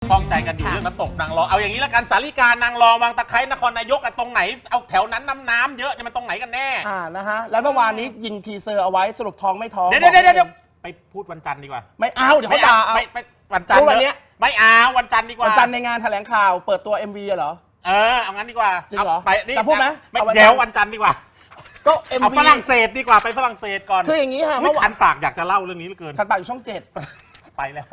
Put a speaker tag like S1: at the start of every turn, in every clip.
S1: ข้องใจกันอยู่เรื่องน้ำตกนางรองเอาอย่างนี้ละกันสาริกานางรองวังตะไคร้นครนายกตรงไหนเอาแถวนั้นน้ำเยอะเนี่ยมันตรงไหนกันแน่
S2: นะฮะแล้วเมื่อวานนี้ยิงทีเซอร์เอาไว้สรุปท้องไม่ท้อง
S1: เดี๋ยวไปพูดวันจันทร์ดีกว่า
S2: ไม่เอาเดี๋ยวเขาด่า
S1: ไปวันจันทร์
S2: วันนี้
S1: ไม่เอาวันจันทร์ดีกว่า
S2: วันจันทร์ในงานแถลงข่าวเปิดตัว MV เหรอ
S1: เอางั้นดีกว่า
S2: จริงเหรอ
S1: ไป
S2: จะพูดไหม
S1: เดี๋ยววันจันทร์ดีกว่า
S2: ก็ MV
S1: เอาฝรั่งเศสดีกว่าไปฝรั่งเศสก่อน
S2: คืออย่างนี้ค่ะ
S1: เมื่อคันปากอยากจะเล่าเรื่องนี้เหลือเกิน
S2: คันปากอยู่ช่อง 7
S1: ไปแล้ว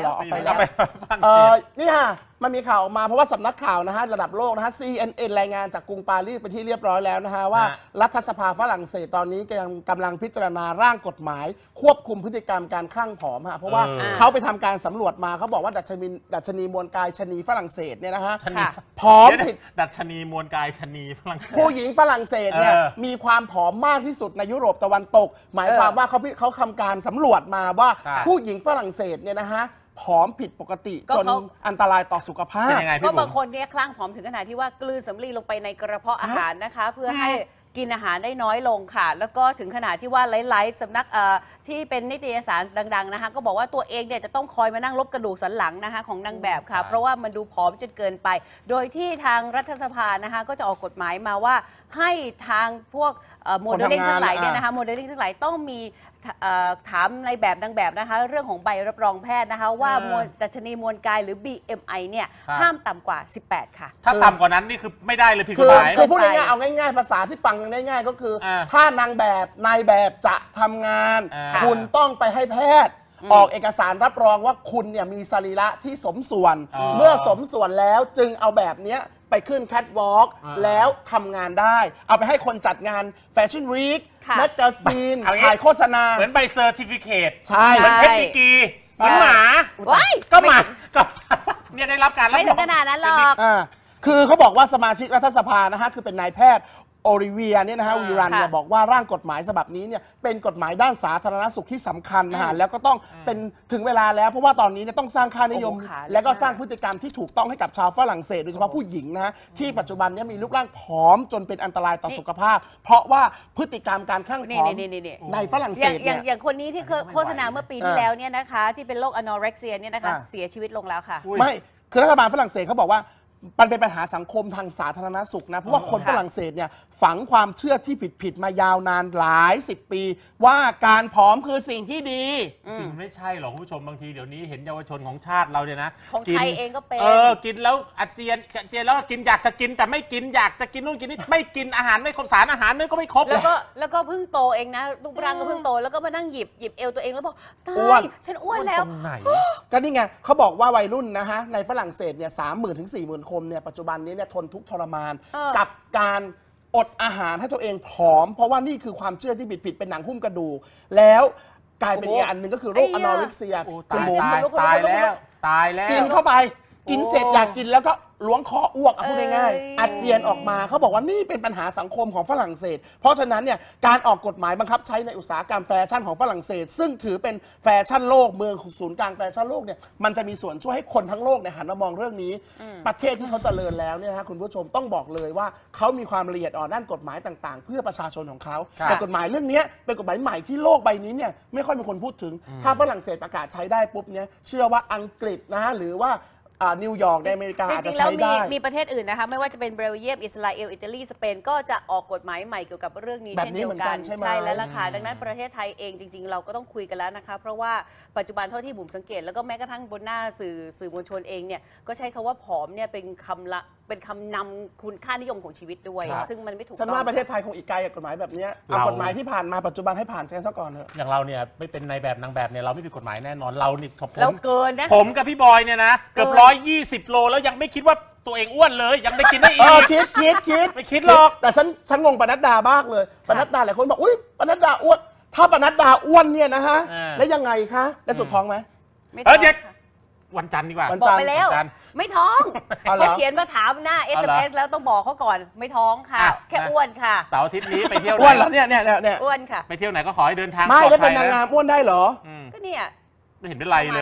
S2: นี่ค่ะมันมีข่าวออกมาเพราะว่าสำนักข่าวนะฮะระดับโลกนะฮะ CNN รายงานจากกรุงปารีสเป็นที่เรียบร้อยแล้วนะฮะว่ารัฐสภาฝรั่งเศสตอนนี้กำลังพิจารณาร่างกฎหมายควบคุมพฤติกรรมการคลั่งผอมฮะเพราะว่าเขาไปทำการสำรวจมาเขาบอกว่าดัชนีมวลกายชนีฝรั่งเศสเนี่ยนะฮะผอมผิด
S1: ดัชนีมวลกายชนีฝรั่งเศส
S2: ผู้หญิงฝรั่งเศสเนี่ยมีความผอมมากที่สุดในยุโรปตะวันตกหมายความว่าเขาทำการสำรวจมาว่าผู้หญิงฝรั่งเศสเนี่ยนะฮะผอมผิดปกติจนอันตรายต่อสุขภาพ
S3: ก็บางคนเนี่ยคลั่งผอมถึงขนาดที่ว่ากลืนสำลีลงไปในกระเพาะอาหารนะคะเพื่อให้กินอาหารได้น้อยลงค่ะแล้วก็ถึงขนาดที่ว่าหลายๆสำนักที่เป็นนิตยสารดังๆนะคะก็บอกว่าตัวเองเนี่ยจะต้องคอยมานั่งลบกระดูกสันหลังนะคะของนางแบบค่ะเพราะว่ามันดูผอมจนเกินไปโดยที่ทางรัฐสภานะคะก็จะออกกฎหมายมาว่าให้ทางพวกโมเดลลิ่งทั้งหลายเนี่ยนะคะโมเดลลิ่งทั้งหลายต้องมีถามในแบบนางแบบนะคะเรื่องของใบรับรองแพทย์นะคะว่าดัชนีมวลกายหรือ BMI เนี่ยห้ามต่ำกว่า18ค่ะ
S1: ถ้าต่ำกว่านั้นนี่คือไม่ได้เลยผิดกฎหมาย
S2: คือพูดง่ายๆเอาง่ายๆภาษาที่ฟังได้ง่ายก็คือถ้านางแบบนายแบบจะทำงานคุณต้องไปให้แพทย์ออกเอกสารรับรองว่าคุณเนี่ยมีสรีระที่สมส่วนเมื่อสมส่วนแล้วจึงเอาแบบเนี้ยไปขึ้นแคทวอล์กแล้วทำงานได้เอาไปให้คนจัดงานแฟชั่นวีคแมกกาซีนถ่ายโฆษณา
S1: เหมือนใบเซอร์ติฟิเคต
S2: ใช่
S1: เหมือนเพชรดีกีเหมือนหมาก็หมาก็เนี่ยได้รับการรับรอง
S3: ไม่ถึงขนาดนั้นหรอก
S2: คือเขาบอกว่าสมาชิกรัฐสภานะฮะคือเป็นนายแพทย์โอลิเวียเนี่ยนะฮะวีรันเนี่ยบอกว่าร่างกฎหมายฉบับนี้เนี่ยเป็นกฎหมายด้านสาธารณสุขที่สำคัญนะฮะแล้วก็ต้องเป็นถึงเวลาแล้วเพราะว่าตอนนี้เนี่ยต้องสร้างค่านิยมและก็สร้างพฤติกรรมที่ถูกต้องให้กับชาวฝรั่งเศสโดยเฉพาะผู้หญิงนะฮะที่ปัจจุบันนี้มีรูปร่างผอมจนเป็นอันตรายต่อสุขภาพเพราะว่าพฤติกรรมการคลั่งผอมในฝรั่งเศสเนี่ย
S3: อย่างคนนี้ที่โฆษณาเมื่อปีที่แล้วเนี่ยนะคะที่เป็นโรคอนอเร็กเซียเนี่ยนะคะเสียชีวิตลงแล้วค่ะ
S2: ไม่คือรัฐบาลฝรั่งเศสเขาบอกว่ามันเป็นปัญหาสังคมทางสาธารณสุขนะเพราะว่าคนฝรั่งเศสเนี่ยฝังความเชื่อที่ผิดมายาวนานหลาย10 ปีว่าการผอมคือสิ่งที่ดี
S1: จริงไม่ใช่หรอกคุณผู้ชมบางทีเดี๋ยวนี้เห็นเยาวชนของชาติเราเนี่ยนะ
S3: ของไทยเองก็เป็น
S1: กินแล้วอาเจียนแล้วกินอยากจะกินแต่ไม่กินอยากจะกินนู่นกินนี่ไม่กินอาหารไม่ครบสารอาหารนี่ก็ไม่ครบ
S3: แล้วก็เพิ่งโตเองนะรูปร่างก็เพิ่งโตแล้วก็มานั่งหยิบเอวตัวเองแล้วบอกตายฉันอ้วนแล้ว
S2: ก็นี่ไงเขาบอกว่าวัยรุ่นนะฮะในฝรั่งเศสเนี่ย30,000 ถึง 40,000 คนเนี่ยปัจจุบันนี้เนี่ยทนทุกข์ทรมานกับการอดอาหารให้ตัวเองผอมเพราะว่านี่คือความเชื่อที่ผิดเป็นหนังหุ้มกระดูกแล้วกลายเป็นอีกอันหนึ่งก็คือโรคอนอริกเซีย
S1: ตายแล้ว
S2: กินเข้าไปกินเสร็จอยากกินแล้วก็ล้วงคออ้วกพูดง่ายๆอาเจียนออกมาเขาบอกว่านี่เป็นปัญหาสังคมของฝรั่งเศสเพราะฉะนั้นเนี่ยการออกกฎหมายบังคับใช้ในอุตสาหกรรมแฟชั่นของฝรั่งเศสซึ่งถือเป็นแฟชั่นโลกเมืองศูนย์กลางแฟชั่นโลกเนี่ยมันจะมีส่วนช่วยให้คนทั้งโลกเนี่ยหันมามองเรื่องนี้ประเทศที่เขาเจริญแล้วเนี่ยนะคุณผู้ชมต้องบอกเลยว่าเขามีความละเอียดอ่อนด้านกฎหมายต่างๆเพื่อประชาชนของเขาแต่กฎหมายเรื่องนี้เป็นกฎหมายใหม่ที่โลกใบนี้เนี่ยไม่ค่อยมีคนพูดถึงถ้าฝรั่งเศสประกาศใช้ได้ปุ๊บเนี่ยเชื่อว่าอังกฤษนะหรือว่านิวยอร์กในอเมริกาอาจจะใช้ได้
S3: มีประเทศอื่นนะคะไม่ว่าจะเป็นเบลเยียมอิสราเอลอิตาลีสเปนก็จะออกกฎหมายใหม่เกี่ยวกับเรื่องนี้เช่นเดียวกันใช่แล้วล่ะค่ะดังนั้นประเทศไทยเองจริงๆเราก็ต้องคุยกันแล้วนะคะเพราะว่าปัจจุบันเท่าที่บุ๋มสังเกตแล้วก็แม้กระทั่งบนหน้าสื่อมวลชนเองเนี่ยก็ใช้คำว่าผอมเนี่ยเป็นคำนำคุณค่านิยมของชีวิตด้วยซึ่งมันไม่ถูกต้อง
S2: ฉันว่าประเทศไทยคงอีกไกลกับกฎหมายแบบนี้เอากฎหมายที่ผ่านมาปัจจุบันให้ผ่านแค่ซะก่อนเถอะ
S1: อย่างเราเนี่ยไม่เป็นนายแบบนางแบบเนี่ยเราไม่ผิดกฎหมายแน่นอนเรานี่
S3: เราเกินนะ
S1: ผมกับพี่บอยเนี่ยนะเกือบ120 โลแล้วยังไม่คิดว่าตัวเองอ้วนเลยยังได้กินได้อีก
S2: คิด
S1: ไม่คิดหรอก
S2: แต่ฉันงงปนัดดามากเลยปนัดดาหลายคนบอกอุ้ยปนัดดาอ้วนถ้าปนัดดาอ้วนเนี่ยนะฮะแล้วยังไงคะได้สุดท้องไหม
S1: เด็กวันจันทร์ดีกว่า
S3: บอกไปแล้วไม่ท้องเขาเขียนมาถามหน้า SMS แล้วต้องบอกเขาก่อนไม่ท้องค่ะแค่อ้วนค่ะ
S1: เสาร์อาทิตย์นี้ไปเที่ยว
S2: อ้วนเหรอเนี่ย
S3: อ้วนค่ะ
S1: ไปเที่ยวไหนก็ขอให้เดินทาง
S2: ไม่ได้เป็นนางงามอ้วนได้เหรอ
S3: ก็เนี่ย
S1: ไม่เห็นเป็นไรเลย